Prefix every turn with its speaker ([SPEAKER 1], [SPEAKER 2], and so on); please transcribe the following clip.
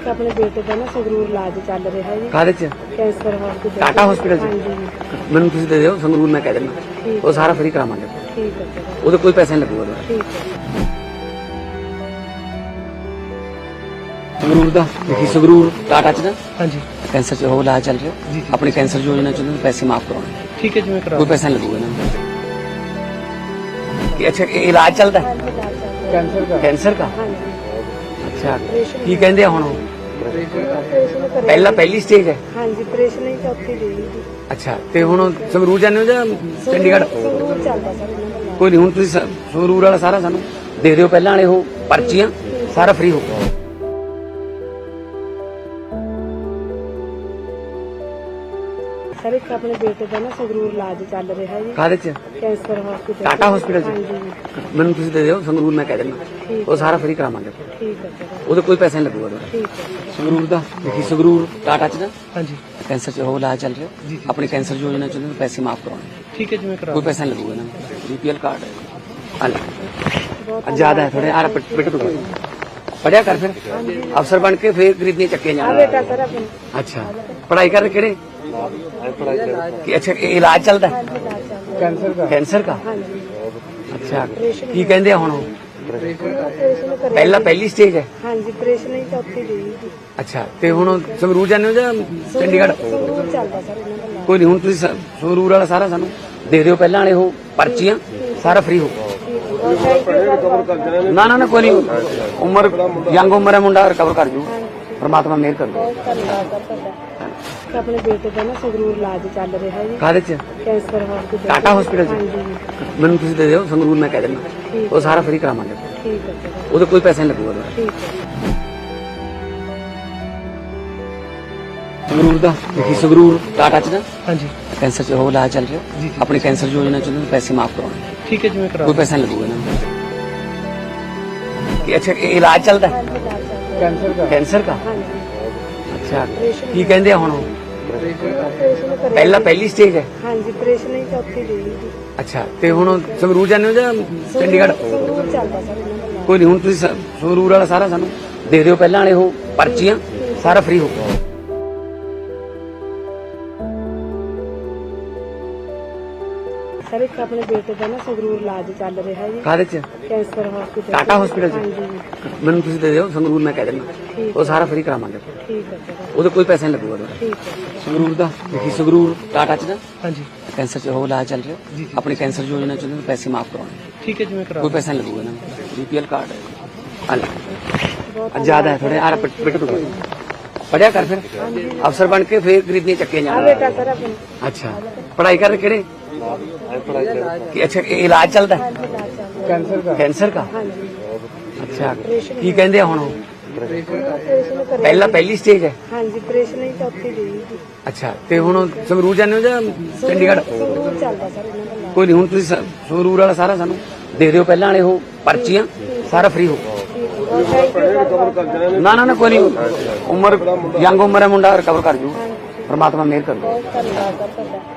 [SPEAKER 1] ਇੱਕ ਆਪਣੇ ਬੇਟੇ ਦਾ ਨਾ ਸੰਗਰੂਰ ਇਲਾਜ ਚੱਲ ਰਿਹਾ ਜੀ।
[SPEAKER 2] ਕਾਹਦੇ ਚ?
[SPEAKER 1] Cancer hospital.
[SPEAKER 2] ਟਾਟਾ ਹਸਪੀਟਲ ਚ?
[SPEAKER 1] ਹਾਂਜੀ
[SPEAKER 2] ਮੈਨੂੰ ਤੁਸੀਂ ਦੇ ਦਿਓ ਸੰਗਰੂਰ, ਮੈਂ ਕਹਿ ਦਿੰਦਾ
[SPEAKER 1] ਠੀਕ
[SPEAKER 2] ਉਹ ਸਾਰਾ ਫ੍ਰੀ ਕਰਾਵਾਂਗੇ।
[SPEAKER 1] ਠੀਕ ਹੈ ਚਲੋ
[SPEAKER 2] ਉਹਦੇ ਕੋਈ ਪੈਸਾ ਨਹੀਂ ਲੱਗੂਗਾ ਤੁਹਾਡਾ।
[SPEAKER 1] ਠੀਕ ਹੈ।
[SPEAKER 2] ਸੰਗਰੂਰ ਦਾ ਦੇਖੀ, ਸੰਗਰੂਰ ਟਾਟਾ ਚ ਨਾ
[SPEAKER 3] ਹਾਂਜੀ
[SPEAKER 2] ਕੈਂਸਰ ਚ ਉਹ ਇਲਾਜ ਚੱਲ ਰਿਹਾ। ਆਪਣੀ ਕੈਂਸਰ ਯੋਜਨਾ ਚ ਉਹਨਾਂ ਨੂੰ ਪੈਸੇ ਮਾਫ ਕਰਾਉਣੇ,
[SPEAKER 3] ਠੀਕ ਹੈ ਜੀ, ਮੈਂ ਕਰਾ
[SPEAKER 2] ਕੋਈ ਪੈਸਾ नहीं लगेगा ना। कि अच्छा ये इलाज चलता है कैंसर का? अच्छा की कहते हैं हुण? पहली स्टेज है।
[SPEAKER 1] ਹਾਂਜੀ ਆਪਰੇਸ਼ਨ ਹੀ ਚੌਥੀ ਦੇ ਜੀ।
[SPEAKER 2] अच्छा ਤੇ ਹੁਣ ਸੰਗਰੂਰ ਜਾਂਦੇ ਹੋ ਜਾਂ ਚੰਡੀਗੜ੍ਹ?
[SPEAKER 1] ਸੰਗਰੂਰ ਚੱਲਦਾ ਸਰ ਇਹਨਾਂ ਦਾ।
[SPEAKER 2] ਕੋਈ ਨਹੀਂ, ਹੁਣ ਤੁਸੀਂ ਸੰਗਰੂਰ ਵਾਲਾ ਸਾਰਾ ਸਾਨੂੰ ਦੇ ਦਿਓ ਪਹਿਲਾਂ ਵਾਲੇ ਉਹ ਪਰਚੀਆਂ, ਸਾਰਾ ਫ੍ਰੀ ਹੋ।
[SPEAKER 1] ਸਰ ਇੱਕ ਆਪਣੇ ਬੇਟੇ ਦਾ ਨਾ ਸੰਗਰੂਰ ਇਲਾਜ ਚੱਲ ਰਿਹਾ ਜੀ।
[SPEAKER 2] ਕਾਹਦੇ ਚ?
[SPEAKER 1] Cancer hospital.
[SPEAKER 2] ਟਾਟਾ ਹਸਪੀਟਲ ਚ?
[SPEAKER 1] ਹਾਂਜੀ
[SPEAKER 2] ਮੈਨੂੰ ਤੁਸੀਂ ਦੇ ਦਿਓ ਸੰਗਰੂਰ, ਮੈਂ ਕਹਿ ਦਿੰਦਾ ਉਹ ਸਾਰਾ ਫ੍ਰੀ ਕਰਾਵਾਂਗੇ।
[SPEAKER 1] ਠੀਕ ਹੈ ਚਲੋ
[SPEAKER 2] ਉਹਦੇ ਕੋਈ ਪੈਸਾ ਨਹੀਂ ਲੱਗੂਗਾ ਤੁਹਾਡਾ।
[SPEAKER 1] ਠੀਕ ਹੈ।
[SPEAKER 2] ਸੰਗਰੂਰ ਦਾ ਦੇਖੀ, ਸੰਗਰੂਰ ਟਾਟਾ ਚ ਨਾ
[SPEAKER 3] ਹਾਂਜੀ
[SPEAKER 2] ਕੈਂਸਰ ਚ ਉਹ ਇਲਾਜ ਚੱਲ ਰਿਹਾ। ਆਪਣੀ ਕੈਂਸਰ ਯੋਜਨਾ ਚ ਉਹਨਾਂ ਨੂੰ ਪੈਸੇ ਮਾਫ ਕਰਾਉਣੇ,
[SPEAKER 3] ਠੀਕ ਹੈ ਜੀ, ਮੈਂ ਕਰਾ
[SPEAKER 2] कोई पैसा नहीं लगेगा ना। बीपीएल कार्ड है ज्यादा है थोड़े यार, बेटे तो पढ़िया कर फिर अफसर बन के फिर खरीदने चक्के
[SPEAKER 1] ਆ
[SPEAKER 2] जाना।
[SPEAKER 1] ਬੇਟਾ ਸਰ ਆਪਣਾ।
[SPEAKER 2] अच्छा पढ़ाई कर केड़े कि अच्छा ये इलाज चलता है कैंसर का?
[SPEAKER 1] ਹਾਂਜੀ
[SPEAKER 2] अच्छा की कहते हैं हुण?
[SPEAKER 1] ਆਪਰੇਸ਼ਨ ਕਰਿਆ।
[SPEAKER 2] पहली स्टेज है।
[SPEAKER 1] ਹਾਂਜੀ ਆਪਰੇਸ਼ਨ ਹੀ ਚੌਥੀ ਦੇ ਜੀ।
[SPEAKER 2] अच्छा ਤੇ ਹੁਣ ਸੰਗਰੂਰ ਜਾਂਦੇ ਹੋ ਜਾਂ ਚੰਡੀਗੜ੍ਹ?
[SPEAKER 1] ਸੰਗਰੂਰ ਚੱਲਦਾ ਸਰ ਇਹਨਾਂ ਦਾ।
[SPEAKER 2] ਕੋਈ ਨਹੀਂ, ਹੁਣ ਤੁਸੀਂ ਸੰਗਰੂਰ ਵਾਲਾ ਸਾਰਾ ਸਾਨੂੰ ਦੇ ਦਿਓ ਪਹਿਲਾਂ ਵਾਲੇ ਉਹ ਪਰਚੀਆਂ, ਸਾਰਾ ਫ੍ਰੀ ਹੋ। ਨਾ ਨਾ ਨਾ ਕੋਈ ਨਹੀਂ, ਉਮਰ ਯੰਗ ਉਮਰ ਹੈ, ਮੁੰਡਾ ਰਿਕਵਰ ਕਰ ਜੂ, ਪਰਮਾਤਮਾ ਮਿਹਰ ਕਰੂ।
[SPEAKER 1] ਬਹੁਤ ਧੰਨਵਾਦ ਸਰ ਤੁਹਾਡਾ। ਇੱਕ ਆਪਣੇ ਬੇਟੇ ਦਾ ਨਾ ਸੰਗਰੂਰ ਇਲਾਜ ਚੱਲ ਰਿਹਾ ਜੀ।
[SPEAKER 2] ਕਾਹਦੇ ਚ?
[SPEAKER 1] Cancer hospital.
[SPEAKER 2] ਟਾਟਾ ਹਸਪੀਟਲ ਚ?
[SPEAKER 1] ਹਾਂਜੀ
[SPEAKER 2] ਮੈਨੂੰ ਤੁਸੀਂ ਦੇ ਦਿਓ ਸੰਗਰੂਰ, ਮੈਂ ਕਹਿ ਦਿੰਦਾ ਉਹ ਸਾਰਾ ਫ੍ਰੀ ਕਰਾਵਾਂਗੇ।
[SPEAKER 1] ਠੀਕ ਹੈ ਚਲੋ
[SPEAKER 2] ਉਹਦੇ ਕੋਈ ਪੈਸਾ ਨਹੀਂ ਲੱਗੂਗਾ ਤੁਹਾਡਾ।
[SPEAKER 1] ਠੀਕ ਹੈ।
[SPEAKER 2] ਸੰਗਰੂਰ ਦਾ ਦੇਖੀ, ਸੰਗਰੂਰ ਟਾਟਾ ਚ ਨਾ
[SPEAKER 3] ਹਾਂਜੀ
[SPEAKER 2] ਕੈਂਸਰ ਚ ਉਹ ਇਲਾਜ ਚੱਲ ਰਿਹਾ। ਆਪਣੀ ਕੈਂਸਰ ਯੋਜਨਾ ਚ ਉਹਨਾਂ ਨੂੰ ਪੈਸੇ ਮਾਫ ਕਰਾਉਣੇ,
[SPEAKER 3] ਠੀਕ ਹੈ ਜੀ, ਮੈਂ ਕਰਾ
[SPEAKER 2] कोई पैसा नहीं लगेगा ना। कि अच्छा ये इलाज चलता है कैंसर का?
[SPEAKER 1] ਹਾਂਜੀ
[SPEAKER 2] अच्छा की कहते हैं हुण?
[SPEAKER 1] ਆਪਰੇਸ਼ਨ ਕਰਿਆ।
[SPEAKER 2] पहली स्टेज है।
[SPEAKER 1] ਹਾਂਜੀ ਆਪਰੇਸ਼ਨ ਹੀ ਚੌਥੀ ਦੇ ਜੀ।
[SPEAKER 2] अच्छा ਤੇ ਹੁਣ ਸੰਗਰੂਰ ਜਾਂਦੇ ਹੋ ਜਾਂ ਚੰਡੀਗੜ੍ਹ?
[SPEAKER 1] ਸੰਗਰੂਰ ਚੱਲਦਾ ਸਰ ਇਹਨਾਂ ਦਾ।
[SPEAKER 2] ਕੋਈ ਨਹੀਂ, ਹੁਣ ਤੁਸੀਂ ਸੰਗਰੂਰ ਵਾਲਾ ਸਾਰਾ ਸਾਨੂੰ ਦੇ ਦਿਓ ਪਹਿਲਾਂ ਵਾਲੇ ਉਹ ਪਰਚੀਆਂ, ਸਾਰਾ ਫ੍ਰੀ ਹੋ।
[SPEAKER 1] ਸਰ ਇੱਕ ਆਪਣੇ ਬੇਟੇ ਦਾ ਨਾ ਸੰਗਰੂਰ ਇਲਾਜ ਚੱਲ ਰਿਹਾ ਜੀ।
[SPEAKER 2] ਕਾਹਦੇ ਚ?
[SPEAKER 1] Cancer hospital.
[SPEAKER 2] ਟਾਟਾ ਹਸਪੀਟਲ ਚ?
[SPEAKER 1] ਹਾਂਜੀ
[SPEAKER 2] ਮੈਨੂੰ ਤੁਸੀਂ ਦੇ ਦਿਓ ਸੰਗਰੂਰ, ਮੈਂ ਕਹਿ ਦਿੰਦਾ ਉਹ ਸਾਰਾ ਫ੍ਰੀ ਕਰਾਵਾਂਗੇ।
[SPEAKER 1] ਠੀਕ ਹੈ ਚਲੋ
[SPEAKER 2] ਉਹਦੇ ਕੋਈ ਪੈਸਾ ਨਹੀਂ ਲੱਗੂਗਾ ਤੁਹਾਡਾ।
[SPEAKER 1] ਠੀਕ ਹੈ।
[SPEAKER 2] ਸੰਗਰੂਰ ਦਾ ਦੇਖੀ, ਸੰਗਰੂਰ ਟਾਟਾ ਚ ਨਾ
[SPEAKER 3] ਹਾਂਜੀ
[SPEAKER 2] ਕੈਂਸਰ ਚ ਉਹ ਇਲਾਜ ਚੱਲ ਰਿਹਾ। ਆਪਣੀ ਕੈਂਸਰ ਯੋਜਨਾ ਚ ਉਹਨਾਂ ਨੂੰ ਪੈਸੇ ਮਾਫ ਕਰਾਉਣੇ,
[SPEAKER 3] ਠੀਕ ਹੈ ਜੀ, ਮੈਂ ਕਰਾ
[SPEAKER 2] कोई पैसा नहीं लगेगा ना। बीपीएल कार्ड है
[SPEAKER 1] ਬਹੁਤ
[SPEAKER 2] ज्यादा है थोड़े यार, बेटे तो पढ़िया कर फिर अफसर बन के फिर खरीदने चक्के
[SPEAKER 1] ਆ
[SPEAKER 2] जाना।
[SPEAKER 1] ਬੇਟਾ सर अपना।
[SPEAKER 2] अच्छा पढ़ाई कर केड़े कि अच्छा ये इलाज चलता है कैंसर का?
[SPEAKER 1] ਹਾਂਜੀ
[SPEAKER 2] अच्छा की कहते हैं हुण?
[SPEAKER 1] ਆਪਰੇਸ਼ਨ ਕਰਿਆ।
[SPEAKER 2] पहली स्टेज है।
[SPEAKER 1] ਹਾਂਜੀ ਆਪਰੇਸ਼ਨ ਹੀ ਚੌਥੀ ਦੇ ਜੀ।
[SPEAKER 2] अच्छा ਤੇ ਹੁਣ ਸੰਗਰੂਰ ਜਾਂਦੇ ਹੋ ਜਾਂ ਚੰਡੀਗੜ੍ਹ?
[SPEAKER 1] ਸੰਗਰੂਰ ਚੱਲਦਾ ਸਰ ਇਹਨਾਂ ਦਾ।
[SPEAKER 2] ਕੋਈ ਨਹੀਂ, ਹੁਣ ਤੁਸੀਂ ਸੰਗਰੂਰ ਵਾਲਾ ਸਾਰਾ ਸਾਨੂੰ ਦੇ ਦਿਓ ਪਹਿਲਾਂ ਵਾਲੇ ਉਹ ਪਰਚੀਆਂ, ਸਾਰਾ ਫ੍ਰੀ ਹੋ। ਨਾ ਨਾ ਨਾ ਕੋਈ ਨਹੀਂ, ਉਮਰ ਯੰਗ ਉਮਰ ਹੈ, ਮੁੰਡਾ ਰਿਕਵਰ ਕਰ ਜੂ, ਪਰਮਾਤਮਾ ਮਿਹਰ ਕਰੂ।
[SPEAKER 1] ਬਹੁਤ ਧੰਨਵਾਦ ਸਰ ਤੁਹਾਡਾ।